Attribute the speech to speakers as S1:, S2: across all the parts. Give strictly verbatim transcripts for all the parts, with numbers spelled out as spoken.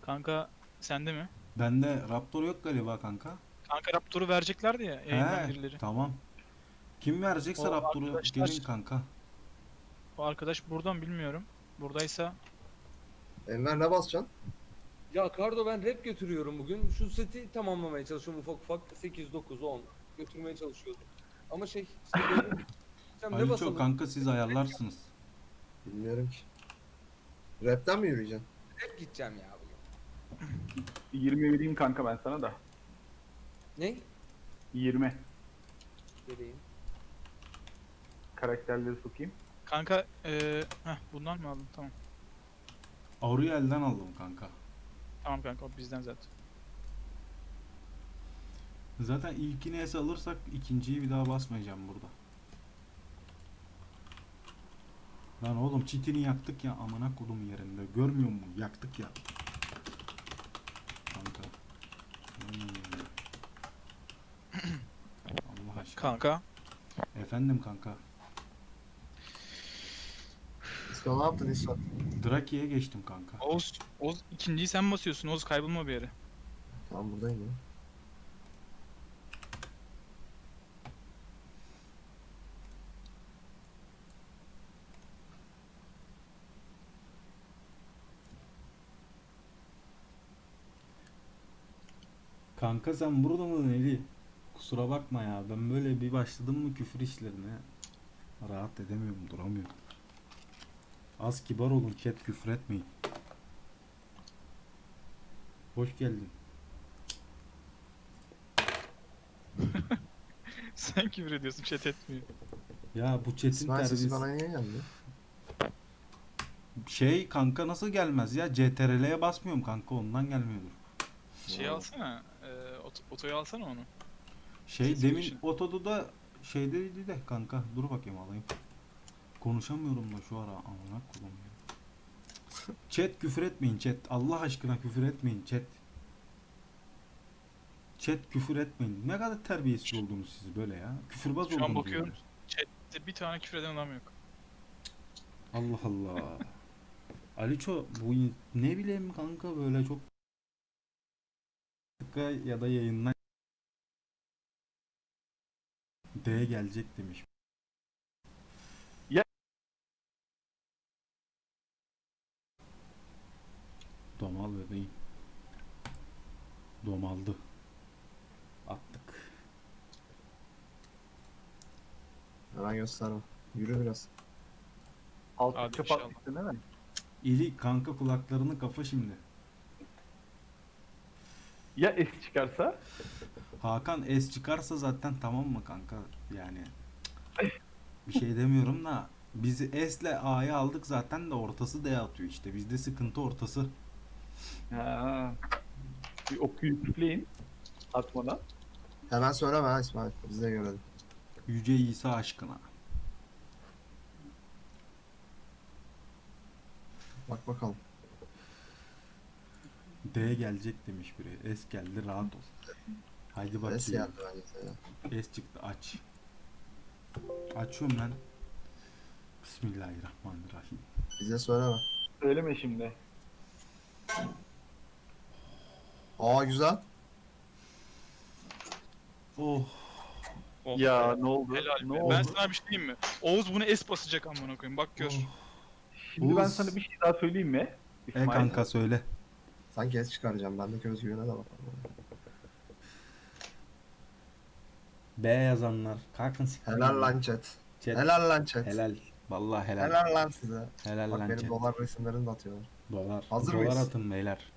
S1: Kanka sende mi?
S2: Bende Raptor yok galiba kanka.
S1: Kanka Raptor'u vereceklerdi ya yayından
S2: He,
S1: birileri.
S2: tamam. Kim verecekse
S1: O
S2: Raptor'u gelin
S1: arkadaşlar,
S2: kanka.
S1: o arkadaş buradan bilmiyorum. Buradaysa
S3: Enver ne basacaksın?
S4: Ya Kardo ben rap götürüyorum bugün. Şu seti tamamlamaya çalışıyorum ufak ufak. sekiz, dokuz, on götürmeye çalışıyordum. Ama şey işte benim- Sen ne
S2: Aliço
S4: basalım?
S2: kanka siz ayarlarsınız.
S3: Bilmiyorum ki. Rap'ten mi yürüyeceksin?
S4: Rap gideceğim ya bugün.
S5: yirmi vereyim kanka ben sana da.
S4: Ne?
S5: yirmi.
S4: Vereyim.
S5: Karakterleri sokayım.
S1: kanka eee heh, bundan mı aldın? Tamam.
S2: Auriel'den aldım kanka.
S1: Tamam kanka o bizden zaten.
S2: Zaten ilkini es alırsak ikinciyi bir daha basmayacağım burada. Lan oğlum çitini yaktık ya amına kodum yerinde. Görmüyor musun? Yaktık ya. Kanka. Hmm. Allah aşkına.
S1: Kanka
S2: Efendim kanka.
S3: İsmail ne yaptın İsmail?
S2: Draki'ye geçtim kanka.
S1: Oğuz, Oğuz ikinciyi sen basıyorsun. Oğuz kaybolma bir yere.
S3: Tamam buradayım ya.
S2: Kanka sen burada mı Neli? Kusura bakma ya ben böyle bir başladım mı küfür işlerine rahat edemiyorum, duramıyorum. Az kibar olun chat, küfür etmeyin. Hoş geldin.
S1: Sen küfür ediyorsun, chat etmiyor.
S2: Ya bu chat'in
S3: İsmail sesi
S2: terbiyesi.
S3: bana niye geldi?
S2: Şey kanka nasıl gelmez ya? C T R L'ye basmıyorum kanka, ondan gelmiyordur.
S1: Şey
S3: Ya.
S1: alsana. Eee ot otoyu alsana onu.
S2: Şey
S1: Ses
S2: demin
S1: girişi.
S2: otoda şeydeydi de kanka, dur bakayım alayım. Konuşamıyorum da şu ara, amına koyayım ya. Chat küfür etmeyin chat. Allah aşkına küfür etmeyin chat. Chat küfür etmeyin. Ne kadar terbiyesiz oldunuz siz böyle ya. Küfürbaz
S1: Şu an
S2: oldunuz
S1: bakıyorum.
S2: böyle.
S1: Chat'te bir tane küfür eden adam yok.
S2: Allah Allah. Aliço bu in- ne bileyim kanka, böyle çok dakika ya da yayından D gelecek demiş.
S5: Ya-
S2: Domal bebeğim. Domaldı. Attık.
S3: Hemen gösterme. Yürü biraz.
S5: Alt
S1: Hadi
S5: çöp
S1: inşallah.
S5: atmışsın değil mi?
S2: İli kanka kulaklarını kapa şimdi.
S5: Ya es çıkarsa?
S2: Hakan S çıkarsa zaten tamam mı kanka, yani bir şey demiyorum da biz S ile A'yı aldık zaten de ortası D atıyor işte, bizde sıkıntı ortası.
S5: Ha. Bir okuyup üfleyin. Atmadan.
S3: Hemen söyleme ha İsmail. Biz de görelim.
S2: Yüce İsa aşkına.
S3: Bak bakalım.
S2: D gelecek demiş biri. S geldi, rahat ol. Haydi
S3: Ses
S2: bakayım.
S3: geldi bence.
S2: S çıktı, aç. Açıyorum ben. Bismillahirrahmanirrahim.
S3: Bize söyleme.
S5: Söyleme şimdi.
S3: Aa güzel.
S2: Oh.
S1: Oh.
S5: Ya ne oldu?
S1: Helal
S5: ne
S1: be.
S5: oldu?
S1: Ben sana bir şey diyeyim mi? Oğuz bunu es basacak amına koyayım. Bak gör.
S2: Oh.
S5: Şimdi ben
S2: Oğuz.
S5: sana bir şey daha söyleyeyim mi?
S2: E
S5: İsmail.
S2: kanka söyle.
S3: Sanki es çıkaracağım. Bendeki özgüvene de bakalım.
S2: B yazanlar. Kalkın siktirin.
S3: Helal lan chat.
S2: Chat.
S3: Helal lan chat.
S2: Helal. Vallahi helal.
S3: Helal lan size.
S2: Helal
S3: Bak
S2: lan
S3: benim
S2: chat.
S3: dolar resimlerini de atıyorlar.
S2: Dolar.
S3: Hazır
S2: Dolar
S3: mıyız?
S2: atın beyler.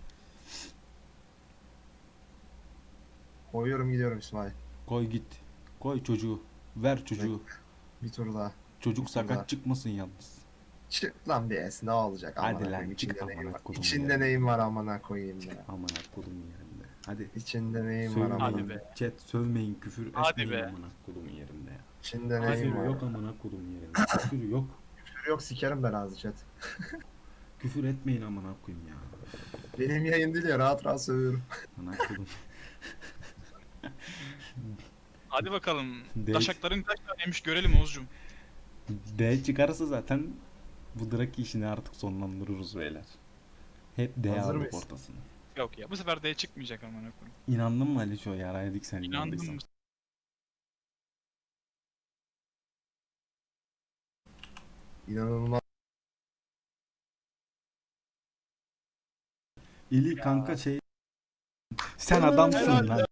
S3: Koyuyorum gidiyorum İsmail.
S2: Koy git. Koy çocuğu. Ver çocuğu.
S3: Bir tur daha.
S2: Çocuk
S3: Bir tur daha.
S2: sakat çıkmasın yalnız.
S3: Çık lan bir es ne olacak
S2: Hadi
S3: amına
S2: lan,
S3: koyayım.
S2: çık
S3: İçinde neyim
S2: amına
S3: var?
S2: kodum
S3: İçinde
S2: ya.
S3: neyim var amına koyayım ya.
S2: Aman kodum yerinde. Hadi.
S3: İçinde neyim var
S2: Sövmeyin.
S3: amına.
S1: Hadi be.
S2: Chat sövmeyin, küfür
S1: Hadi
S2: etmeyin
S1: be.
S2: amına kodum yerinde ya.
S3: İçinde
S1: Hadi
S3: neyim
S2: Küfür
S3: var?
S2: yok amına kodum yerinde. Küfür yok.
S3: Küfür yok sikerim ben ağzı chat.
S2: Küfür etmeyin amına koyayım ya.
S3: Benim yayın değil ya rahat rahat sövüyorum.
S2: Amına kodum.
S1: Hadi bakalım.
S2: D-
S1: Taşakların kaç taneymiş görelim Oğuzcum.
S2: D çıkarsa zaten bu Draki işini artık sonlandırırız beyler. Hep D
S3: Hazır
S2: aldık
S3: mıyız?
S2: ortasını.
S1: Yok ya bu sefer D çıkmayacak amına koyayım.
S2: İnandın mı Ali şu yaraydık sen
S1: İnandım
S2: inandıysan.
S1: mı?
S3: İnanılmaz.
S2: İli kanka şey. Sen adamsın
S1: Helal
S2: lan.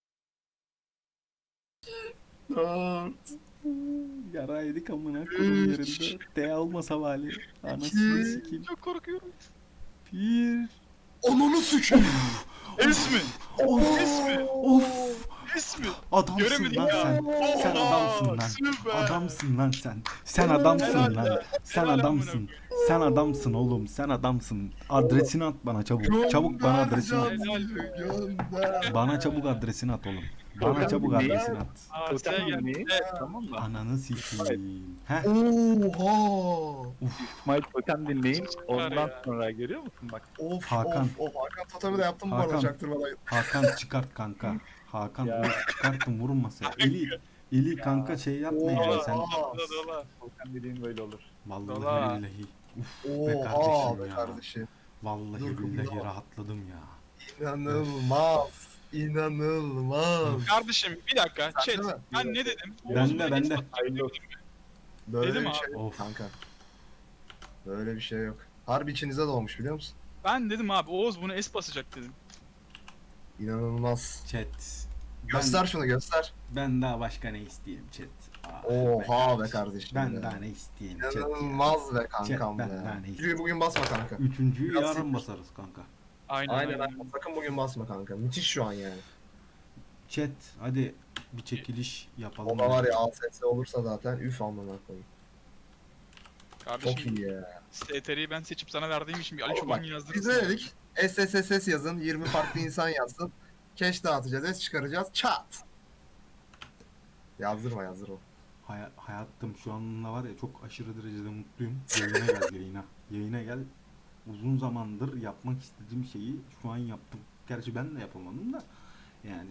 S3: Dört,
S2: Yaraydık amına koyayım
S3: Üç.
S2: yerinde. D olmasa vali. Anasını
S3: İki.
S2: sikeyim.
S1: Çok korkuyorum.
S2: Bir.
S3: Onunu sikeyim.
S1: Es mi?
S2: Of.
S1: Es mi?
S2: Of.
S1: Es mi?
S2: Adamsın
S1: Göremedik
S2: lan
S1: ya.
S2: sen. Sen
S1: Oha,
S2: adamsın lan.
S1: süper.
S2: Adamsın lan sen. Sen adamsın
S1: Helal
S2: lan.
S1: be.
S2: Sen
S1: Helal amına
S2: adamsın.
S1: koyayım.
S2: Sen adamsın oğlum. Sen adamsın. Adresini at bana çabuk. Çabuk bana adresini at.
S1: Helal.
S3: Gönder.
S2: Bana çabuk adresini at oğlum. Bana
S5: Totem
S2: çabuk
S5: dinleyin.
S2: adresini at.
S1: Aa,
S5: Totem
S1: sen gel.
S5: dinleyin.
S1: Evet.
S5: Tamam mı?
S2: Ananı sikeyim. Heh.
S3: Oha.
S5: İsmail totem dinleyin. Ondan
S1: ya.
S5: sonra görüyor musun bak.
S3: Of
S2: Hakan.
S3: of of. Hakan totemi de yaptım bu
S2: Hakan.
S3: arada çaktırmadan.
S2: Hakan çıkart kanka. Hakan
S5: Ya.
S2: dur, çıkarttım vurun masaya. Eli, Eli kanka şey yapma yani
S3: Oha.
S2: sen.
S1: Dola dola.
S5: Totem dediğin böyle olur.
S2: Vallahi
S1: Dola.
S2: billahi. Uf be
S3: Oha
S2: kardeşim
S3: be
S2: ya.
S3: kardeşim.
S2: Vallahi
S3: Dur,
S2: billahi
S3: kumda.
S2: rahatladım ya.
S3: İnanılmaz. İnanılmaz.
S1: Kardeşim bir dakika.
S3: Sen
S1: Chat.
S3: değil mi?
S1: Ben ne dedim?
S2: Ben
S1: Oğuz
S2: de,
S1: bana
S2: ben
S1: geç
S2: de.
S1: bak-
S5: Hayırlı olsun.
S3: Böyle
S1: Dedim
S3: bir
S1: abi.
S3: şey yok
S2: Of.
S3: kanka. Böyle bir şey yok. Harbi içinize doğmuş biliyor musun?
S1: Ben dedim abi Oğuz bunu es basacak dedim.
S3: İnanılmaz.
S2: Chat.
S3: Göster
S2: Ben,
S3: şunu göster.
S2: ben daha başka ne isteyeyim chat. Ah
S3: Oha be kardeşim
S2: Ben
S3: ya.
S2: daha ne isteyeyim chat ya.
S3: İnanılmaz be kankam
S2: Chat,
S3: be.
S2: ben daha ne
S3: Üçüncüyü bugün basma kanka.
S2: Üçüncüyü
S3: Biraz
S2: yarın
S3: siktir.
S2: basarız kanka.
S1: Aynen
S3: Aynen
S1: aynen.
S3: aynen. Sakın bugün basma kanka. Müthiş şu an yani.
S2: Chat hadi bir çekiliş yapalım.
S3: O da var ya A S S olursa zaten üf amına koyayım. Çok
S1: Kardeşim
S3: iyi ya.
S1: S T R'yi ben seçip sana verdiğim için bir Ali
S3: Oğlum
S1: Çoban
S3: bak,
S1: yazdırırsın.
S3: Biz ne dedik? S S S S yazın. yirmi farklı insan yazsın. Cash dağıtacağız. S çıkaracağız. Çat. Yazdırma yazdırma.
S2: Hay- hayatım şu anda var ya çok aşırı derecede mutluyum. Yayına gel yayına. Yayına gel. Uzun zamandır yapmak istediğim şeyi şu an yaptım. Gerçi ben de yapamadım da yani.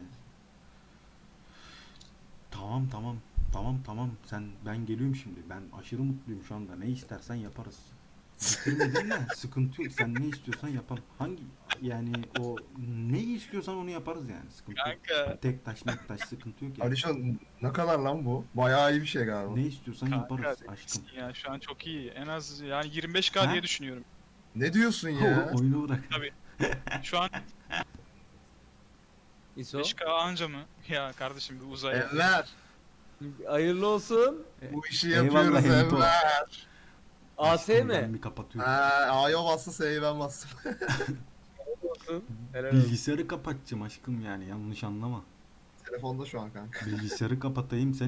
S2: Tamam tamam. Tamam tamam. Sen ben geliyorum şimdi. Ben aşırı mutluyum şu anda. Ne istersen yaparız. Bitirmedin de sıkıntı yok. Sen ne istiyorsan yapalım. Hangi yani o ne istiyorsan onu yaparız yani. Sıkıntı yok.
S1: Kanka.
S2: Tek taş mek taş sıkıntı yok yani.
S3: Alişan ne kadar lan bu? Bayağı iyi bir şey galiba.
S2: Ne istiyorsan
S1: Kanka
S2: yaparız
S1: delisin
S2: aşkım.
S1: ya şu an çok iyi. En az yani yirmi beş K
S2: Ha?
S1: diye düşünüyorum.
S3: Ne diyorsun ya?
S2: O, oyunu bırak.
S1: Tabii. Şu an
S4: İso.
S1: beş K anca mı? Ya kardeşim bir uzay.
S3: Enver.
S4: Hayırlı olsun.
S3: Bu işi
S2: Eyvallah
S3: yapıyoruz
S2: Enito.
S3: Enver.
S4: A S
S2: Aşkım,
S4: mi?
S2: Ben bir kapatıyorum.
S3: Ha, A'ya bastı S'yi ben bastım.
S4: Olsun. Helal olsun.
S2: Bilgisayarı kapatacağım aşkım yani yanlış anlama.
S3: Telefonda şu an kanka.
S2: Bilgisayarı kapatayım sen